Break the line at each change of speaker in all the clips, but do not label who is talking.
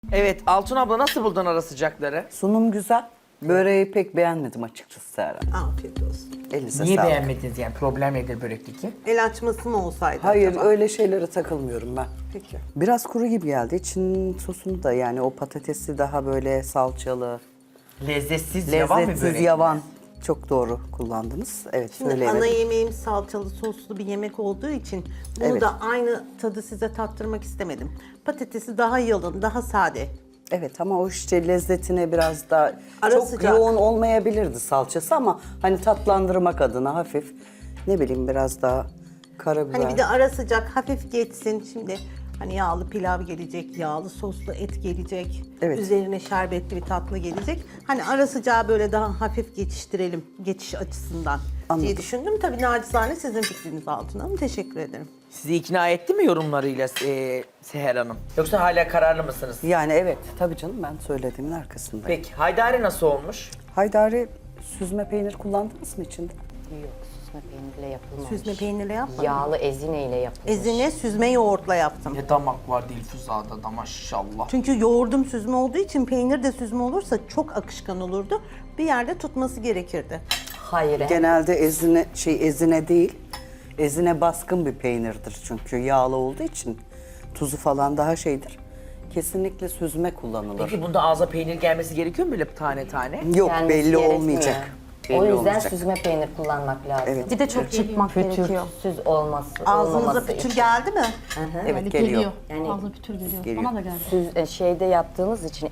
Evet, Altun abla nasıl buldun ara sıcakları?
Sunum güzel. Böreği pek beğenmedim açıkçası Serra.
Afiyet olsun.
Elinize
Niye
sağlık.
beğenmediniz yani? Problem nedir börekteki?
El açması mı olsaydı
Hayır
acaba?
öyle şeylere takılmıyorum ben.
Peki.
Biraz kuru gibi geldi. İçin sosunu da yani o patatesi daha böyle salçalı,
Lezzetsiz, yavan bir
lezzetsiz
börek.
yavan. Çok doğru kullandınız. Evet
Şimdi
söyleyemedim.
ana yemeğim salçalı soslu bir yemek olduğu için bunu
Evet.
da aynı tadı size tattırmak istemedim. Patatesi daha yalın, daha sade.
Evet ama o işte lezzetine biraz daha
Ara
çok
sıcak.
yoğun olmayabilirdi salçası ama hani tatlandırmak adına hafif ne bileyim biraz daha karabiber.
Hani bir de ara sıcak hafif geçsin. Şimdi hani yağlı pilav gelecek, yağlı soslu et gelecek.
Evet.
Üzerine şerbetli bir tatlı gelecek. Hani ara sıcağı böyle daha hafif geçiştirelim geçiş açısından
Anladım.
diye düşündüm. Tabii nacizane sizin fikriniz Altun Hanım. Teşekkür ederim.
Sizi ikna etti mi yorumlarıyla Seher Hanım? Yoksa hala kararlı mısınız?
Yani evet tabii canım ben söylediğimin arkasındayım.
Peki, haydari nasıl olmuş?
Haydari süzme peynir kullandınız mı içinde?
Yok, süzme peynirle yapılmamış.
Süzme peynirle yapmadım.
Yağlı ezine ile yapılmış.
Ezine süzme yoğurtla yaptım.
Ne damak var Dilfuza'da da maşallah.
Çünkü yoğurdum süzme olduğu için peynir de süzme olursa çok akışkan olurdu. Bir yerde tutması gerekirdi.
Hayır.
Genelde ezine değil. Ezine baskın bir peynirdir çünkü yağlı olduğu için tuzu falan daha şeydir. Kesinlikle süzme kullanılır.
Peki bunda ağza peynir gelmesi gerekiyor mu böyle tane tane?
Yok
Gelmesi
belli
gerekmiyor.
olmayacak.
O
Belli
yüzden
olmayacak.
süzme peynir kullanmak lazım.
Evet.
Bir de çok çırpmak gerekiyor.
Pütürsüz olması,
Ağzınıza
olmaması
pütür
için.
geldi mi?
Evet geliyor.
Yani
Ağzına pütür geliyor.
geliyor.
Bana da geldi.
Şeyde yaptığınız için,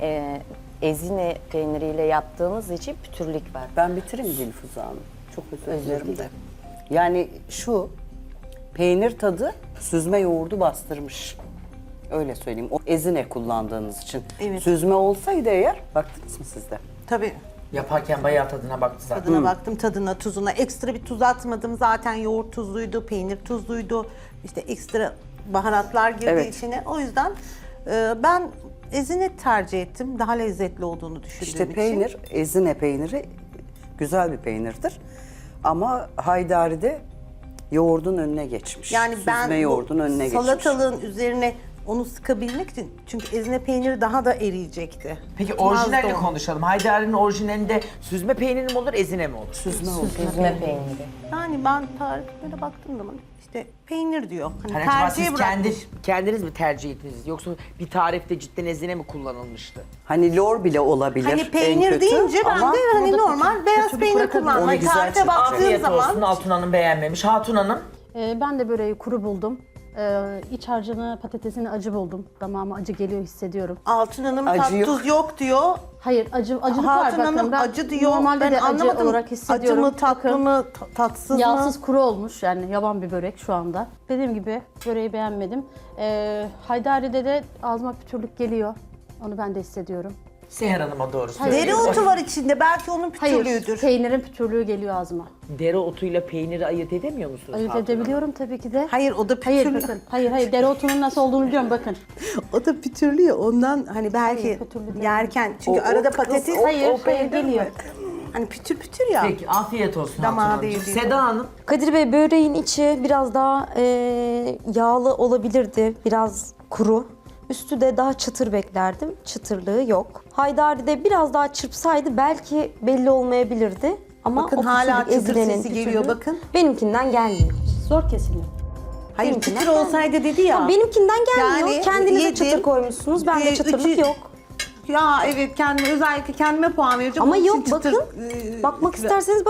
ezine peyniriyle yaptığınız için pütürlük var.
Ben bitireyim Dilfuza Hanım. Çok özür dilerim de. Yani şu peynir tadı süzme yoğurdu bastırmış. Öyle söyleyeyim. O ezine kullandığınız için.
Evet.
Süzme olsaydı eğer, baktınız mı siz de?
Tabii.
Yaparken bayağı tadına baktı zaten.
Tadına baktım, tadına, tuzuna. Ekstra bir tuz atmadım. Zaten yoğurt tuzluydu, peynir tuzluydu. İşte ekstra baharatlar girdi
Evet.
içine. O yüzden ben ezine tercih ettim. Daha lezzetli olduğunu düşündüğüm
İşte
için.
peynir, ezine peyniri güzel bir peynirdir. Ama haydari de yoğurdun önüne geçmiş.
Yani ben
Süzme yoğurdun önüne geçmiş.
salatalığın üzerine onu sıkabilmek için çünkü ezine peyniri daha da eriyecekti.
Peki
Tutmazdı
orijinalini
onu.
konuşalım. Haydari'nin orijinalinde süzme peyniri mi olur, ezine mi olur?
Süzme oldu.
Süzme peyniri.
Yani ben tariflere baktığım zaman işte peynir diyor. Hani
Hani acaba
tercihe
siz
bırakmış.
kendiniz mi tercih ettiniz? Yoksa bir tarifte cidden ezine mi kullanılmıştı?
Hani lor bile olabilir.
Hani
en
peynir
kötü.
deyince ben
Ama
de hani normal beyaz peynir kullandım.
Onu
Hani
güzel
tarife
çıktı.
baktığım
Afiyet
zaman
olsun, Altun Hanım beğenmemiş. Hatun Hanım?
Ben de böreği kuru buldum. İç harcını, patatesini acı buldum. Damağıma acı geliyor, hissediyorum.
Altın Hanım
Acı
tat
yok.
tuz yok diyor.
Hayır, acılık var.
Hatun
Bakın,
Hanım
ben
acı diyor.
Normalde
Ben
de acı
anlamadım.
olarak
Acı
hissediyorum.
mı, tatlı
Bakın,
mı, tatsız mı?
yağsız kuru olmuş yani yavan bir börek şu anda. Dediğim gibi böreği beğenmedim. Haydari'de de ağzıma pütürlük geliyor. Onu ben de hissediyorum.
Seher Hanım'a doğru
Hayır.
söylüyor.
Dereotu var içinde. Belki onun
Hayır,
pütürlüğüdür.
peynirin pütürlüğü geliyor ağzıma.
Dereotuyla peyniri ayırt edemiyor musunuz?
Ayırt
Hatun Hanım?
edebiliyorum tabii ki de.
Hayır o da
Hayır
pütürlü.
bakın. Hayır dereotunun nasıl olduğunu biliyorum bakın.
O da pütürlü ya ondan hani belki
Hayır, pütürlü değil.
yerken çünkü
O-
arada
o kız-
patates
Hayır geliyor.
hani pütür pütür ya.
Peki, afiyet olsun
Damağı
Hatun Hanımcığım.
değil.
Seda Hanım?
Kadir Bey böreğin içi biraz daha yağlı olabilirdi, biraz kuru. Üstü de daha çıtır beklerdim, çıtırlığı yok. Haydari'de biraz daha çırpsaydı belki belli olmayabilirdi. Ama
Bakın
o
hala
pütürlük,
çıtır
ezilenin
sesi geliyor,
pütürlüğü
bakın.
Benimkinden gelmiyor.
Zor kesiliyor.
Hayır
benimkinden
pütür olsaydı dedi ya.
Benimkinden gelmiyor.
Yani
Kendinize
yedim.
çıtır koymuşsunuz, bende çıtırlık
Üçü-
yok.
Ya evet kendime özellikle kendime puan vereceğim.
Ama
Onun için
yok
çıtır,
bakın, bakmak
güzel.
isterseniz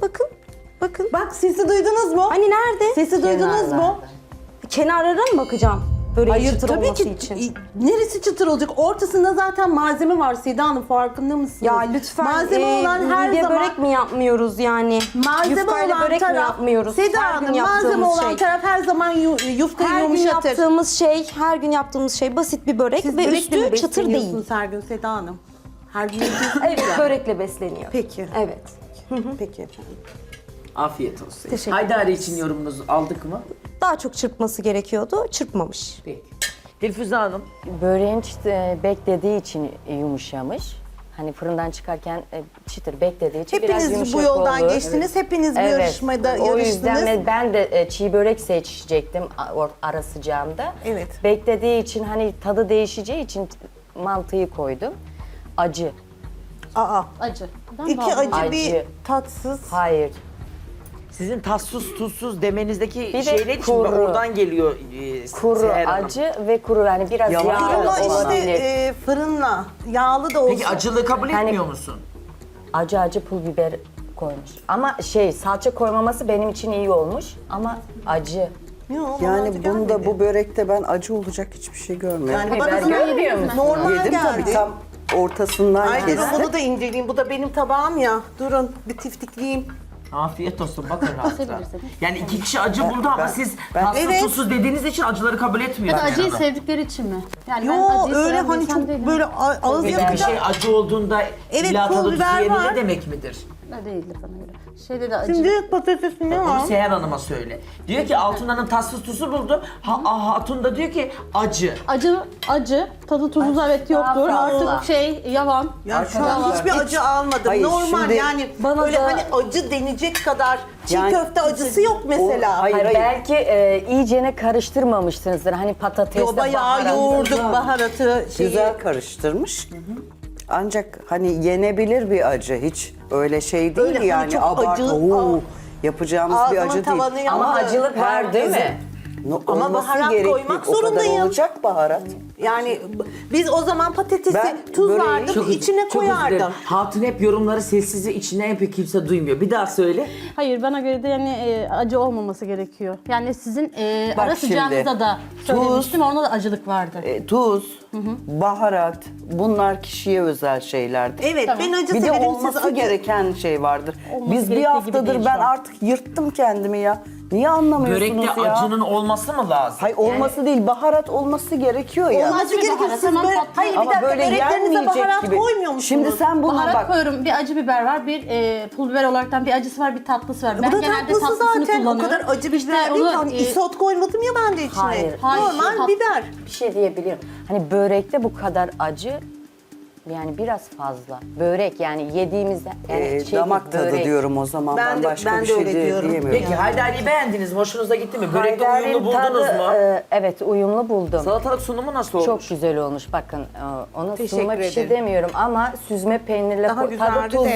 bakın.
Bak sesi duydunuz mu?
Hani nerede?
Sesi duydunuz mu?
Kenarlara mı bakacağım? Böreğin
Hayır
çıtır
tabii
olması
ki.
için.
Neresi çıtır olacak? Ortasında zaten malzeme var Seda Hanım farkında mısınız?
Ya lütfen
malzeme olan her
midye
zaman
börek mi yapmıyoruz yani?
malzeme
Yufkayla
olan
börek mi
taraf
yapmıyoruz?
Seda
Her gün
Hanım malzeme
yaptığımız
olan
şey.
taraf her zaman yufkayı
Her gün
yumuşatır.
her gün yaptığımız şey basit bir börek
Siz
ve
börekle mi
üstü çıtır değil.
besleniyorsunuz her gün Seda Hanım? Her gün yapıyorsunuz
Evet,
ya.
börekle besleniyor.
Peki.
Evet.
Peki efendim.
Afiyet olsun.
Teşekkür
Haydari
ederiz.
için yorumunuzu aldık mı?
Daha çok çırpması gerekiyordu, çırpmamış.
Peki. Dilfüze Hanım?
Böreğin beklediği için yumuşamış. Hani fırından çıkarken çıtır beklediği için biraz
Hepiniz
yumuşak
bu yoldan
oldu.
geçtiniz. Hepiniz bu
Evet.
yarışmada
O yüzden
yarıştınız.
ben de çiğ börek seçecektim ara sıcağımda.
Evet.
Beklediği için hani tadı değişeceği için mantıyı koydum. Acı.
Aa,
Acı. Ben
iki
de aldım.
acı bir
Acı.
tatsız.
Hayır.
Sizin tatsız tuzsuz demenizdeki
de
şey neydi şimdi?
kuru.
Oradan geliyor
Kuru,
Seher Hanım.
acı ve kuru. Yani biraz
Yavaş
yağlı
yavaş
Ama işte
olabilir.
fırınla, yağlı da olsun.
Peki acılığı kabul
Hani-
etmiyor musun?
Acı pul biber koymuş. Ama salça koymaması benim için iyi olmuş. Ama acı.
Yok, bana
Yani
acı
bunda
gelmedi.
bu börekte ben acı olacak hiçbir şey görmüyorum.
Yani bana
Biber
da
görmüyor musun?
normal
Yedim
geldi.
tabii tam ortasından
Ay durun
kestim.
bunu da inceleyeyim. Bu da benim tabağım ya. Durun bir tiftikleyeyim.
Afiyet olsun bakın rahat rahat.
Kesebilirsiniz.
Yani iki kişi acı buldu ama siz tatsız
Evet.
tuzsuz dediğiniz için acıları kabul
Ya
etmiyorsunuz.
da acıyı
Seher Hanım.
sevdikleri için mi? Yani ben
Yo
acıyı
öyle
seven bir
hani
insan
çok
değilim.
böyle ağız
Peki bir
yakacak.
şey acı olduğunda
Evet,
illa
pul
tadı tuzu
biber
yerinde
var.
demek midir?
Ne değildir bana göre. Şeyde de acı.
Şimdi patatesi ne
Onu
var?
Seher Hanım'a söyle. Diyor ki Altun Hanım tatsız tuzu buldu. Hatun da diyor ki acı.
Acı, tadı tuzu evet yoktur.
Daha fazla.
Artık yavan.
Ya şu an
Arkadaşlar,
hiçbir acı almadım.
Hayır,
Normal
şimdi
yani
bana
böyle
da-
hani acı denecek kadar çiğ
Yani-
köfte acısı yok mesela.
Hayır,
Hayır,
hayır.
belki iyicene karıştırmamışsınızdır. Hani patatesle
Yo bayağı yoğurduk baharatı şeyi.
Güzel karıştırmış. Ancak hani yenebilir bir acı. Hiç öyle şey değil
Öyle hani
yani
çok
abart.
acı,
Oo, yapacağımız bir
ağzımın
acı
tavanı
değil.
yandı.
Ama acılık var değil mi?
Ama
Olması
baharat
gerekli.
koymak
O kadar
zorundayım.
olacak baharat.
Yani biz o zaman patatesi
Ben
tuz
böreği
vardım içine
Çok özür dilerim.
koyardım.
Hatun hep yorumları sessizce içinden yapıyor kimse duymuyor. Bir daha söyle.
Hayır bana göre de yani acı olmaması gerekiyor. Yani sizin
Bak
ara sıcağınızda
şimdi,
da söylemiştim orada da acılık vardı.
Tuz, baharat bunlar kişiye özel şeylerdir.
Evet
Tamam.
ben acı
Bir de
severim
olması
siz acı.
gereken şey vardır.
Olması
Biz bir
gerektiği gibi
haftadır
değil
ben
şu an.
artık yırttım kendimi ya. Niye anlamıyorsunuz
Börekte
ya?
acının olması mı lazım?
Hayır olması değil baharat olması gerekiyor ya.
Olması
Acı bir
gerekir
baharat,
siz
tamam,
böyle,
tatlı.
hayır bir
Ama
dakika
böyle
böreklerinize
yenmeyecek
baharat
gibi.
koymuyor musunuz?
Şimdi sen buna
Baharat
bak.
koyuyorum. Bir acı biber var, bir pul biber olaraktan bir acısı var, bir tatlısı var.
Bu da tatlısı zaten o
kullanıyorum.
kadar acı bir
İşte
biber değil ki.
onu,
Hani isot koymadım ya ben de içine.
Hayır,
Normal
tat-
biber.
Bir şey diyebilirim. Hani börekte bu kadar acı yani biraz fazla. Börek yani yediğimizde yani
Damak tadı
börek.
diyorum o zaman.
Ben
Ben,
de-
başka
ben
bir
de
şey
öyle diyorum.
diyemiyorum.
Peki Haydari'yi beğendiniz mi? Hoşunuza gitti mi? Börekte
Haydar'ın
uyumlu buldunuz
tadı,
mu?
Evet uyumlu buldum.
Salatalık sunumu nasıl olmuş?
Çok güzel olmuş. Bakın ona
Teşekkür
sunuma bir şey
ederim.
demiyorum ama süzme peynirle
Daha
tadı
güzeldi
tuzu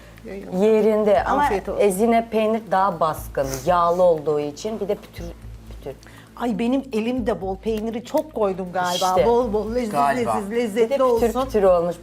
de.
yerinde. Ama
Afiyet olsun.
ezine peynir daha baskın, yağlı olduğu için bir de pütür.
Ay benim elimde bol peyniri çok koydum galiba.
İşte.
Bol bol leziz
Galiba.
leziz
Bir de
lezzetli
pütür
olsun.
pütür olmuş.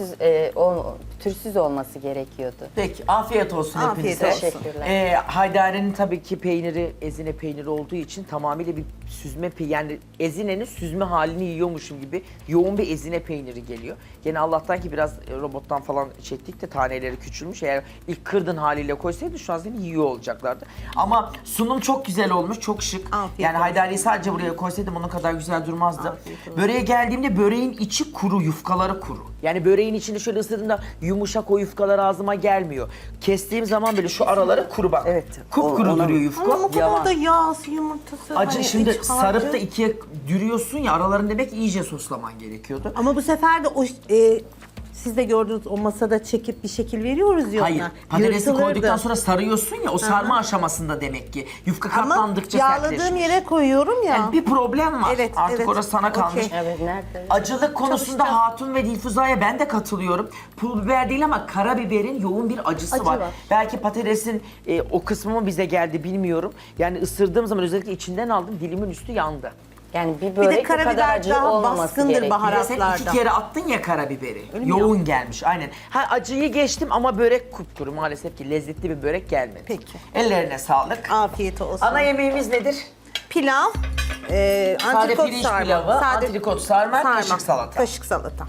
Pütürsüz olması gerekiyordu.
Peki afiyet olsun
Afiyet
hepinize.
olsun.
Teşekkürler.
Haydari'nin tabii ki peyniri ezine peyniri olduğu için tamamıyla bir süzme yani ezinenin süzme halini yiyormuşum gibi yoğun bir ezine peyniri geliyor. Gene Allah'tan ki biraz robottan falan çektik de taneleri küçülmüş. Eğer ilk kırdın haliyle koysaydı şu an seni yiyor olacaklardı. Ama sunum çok güzel olmuş, çok şık.
Afiyet
yani
olsun.
Haydari'yi sadece buraya koysaydım onun kadar güzel durmazdı.
Afiyet olsun.
Böreğe geldiğimde böreğin içi kuru, yufkaları kuru. Yani böreğin içinde şöyle ısırdığımda yumuşak o yufkalar ağzıma gelmiyor. Kestiğim zaman böyle şu araları kuru bak.
Evet,
Kupkuru
ona-
duruyor yufka.
Ama o kadar
Yavan.
da yağsı yumurtası.
Acı
hani
şimdi
iç harcı.
sarıp da ikiye dürüyorsun ya aralarını demek ki iyice soslaman gerekiyordu.
Ama bu sefer de o siz de gördünüz o masada çekip bir şekil veriyoruz ya
Hayır,
ona.
patatesi
Yırtılırdı.
koyduktan sonra sarıyorsun ya o sarma aşamasında demek ki. Yufka
Ama
katlandıkça
yağladığım
sertleşmiş.
yere koyuyorum ya.
Yani bir problem var.
Evet,
Artık
evet.
orası sana kalmış.
Okey.
Evet nerede?
Acılık konusunda
Çalışacağım.
Hatun ve Dilfuza'ya ben de katılıyorum. Pul biber değil ama karabiberin yoğun bir acısı
Acı
var.
var.
Belki patatesin o kısmı mı bize geldi bilmiyorum. Yani ısırdığım zaman özellikle içinden aldım dilimin üstü yandı.
Yani bir börek bu kadar
karabiber
acı
daha
olmaması
baskındır
gerekiyor.
baharat.
Bir de sen
Baharatlarda.
2 kere attın ya karabiberi.
Öyle mi
Yoğun gelmiş aynen. Ha acıyı geçtim ama börek kupkuru maalesef ki lezzetli bir börek gelmedi.
Peki.
Ellerine sağlık.
Afiyet olsun.
Ana yemeğimiz nedir?
Pilav,
Sade
antrikot
pirinç
sarma.
pilavı, antrikot sarma, kaşık salata.
Kaşık salata.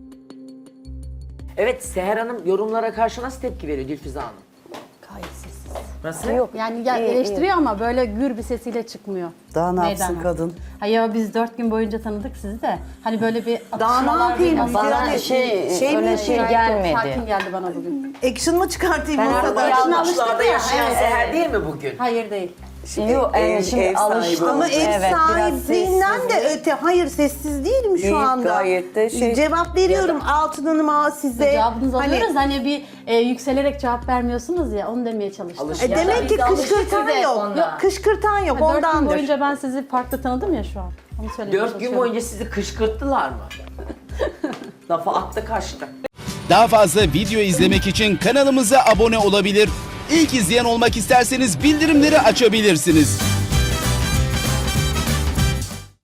Evet Seher Hanım yorumlara karşı nasıl tepki veriyor Dilfize Hanım?
Gayet sessiz.
Nasıl?
Yok.
Yani
iyi,
eleştiriyor ama böyle gür bir sesiyle çıkmıyor.
Daha ne yapsın
Meydana.
kadın?
Hayır biz 4 gün boyunca tanıdık sizi de. Hani böyle bir
Daha ne
atışmalar,
yapayım?
bir-
Bana
Yani
şey
mi
öyle şey
Gayet
gelmedi.
Sakin geldi bana bugün.
Action mı çıkartayım
Ben
masada?
arada
Yaşına
Yanlışlarda
alıştık ya.
yaşayan
Evet,
Seher
evet.
değil mi bugün?
Hayır değil.
Yok şimdi
ev sahibi
alıştım.
Ama ev
Evet, biraz
sahipliğinden de
sessiz.
öte. Hayır sessiz değil mi şu
Değil,
anda?
gayet de şey-
Cevap veriyorum Altın Hanım'a size.
Cevabınızı alıyoruz. Hani bir yükselerek cevap vermiyorsunuz ya onu demeye çalıştım.
Demek ki
Biz alıştık
kışkırtan
size
yok.
ondan.
Yok, kışkırtan yok
4 gün
ondandır.
boyunca ben sizi farklı tanıdım ya şu an. Onu söylemeye
4 gün
çalışıyorum.
boyunca sizi kışkırttılar mı? Lafa attı kaçtı.
Daha fazla video izlemek için kanalımıza abone olabilir. İlk izleyen olmak isterseniz bildirimleri açabilirsiniz.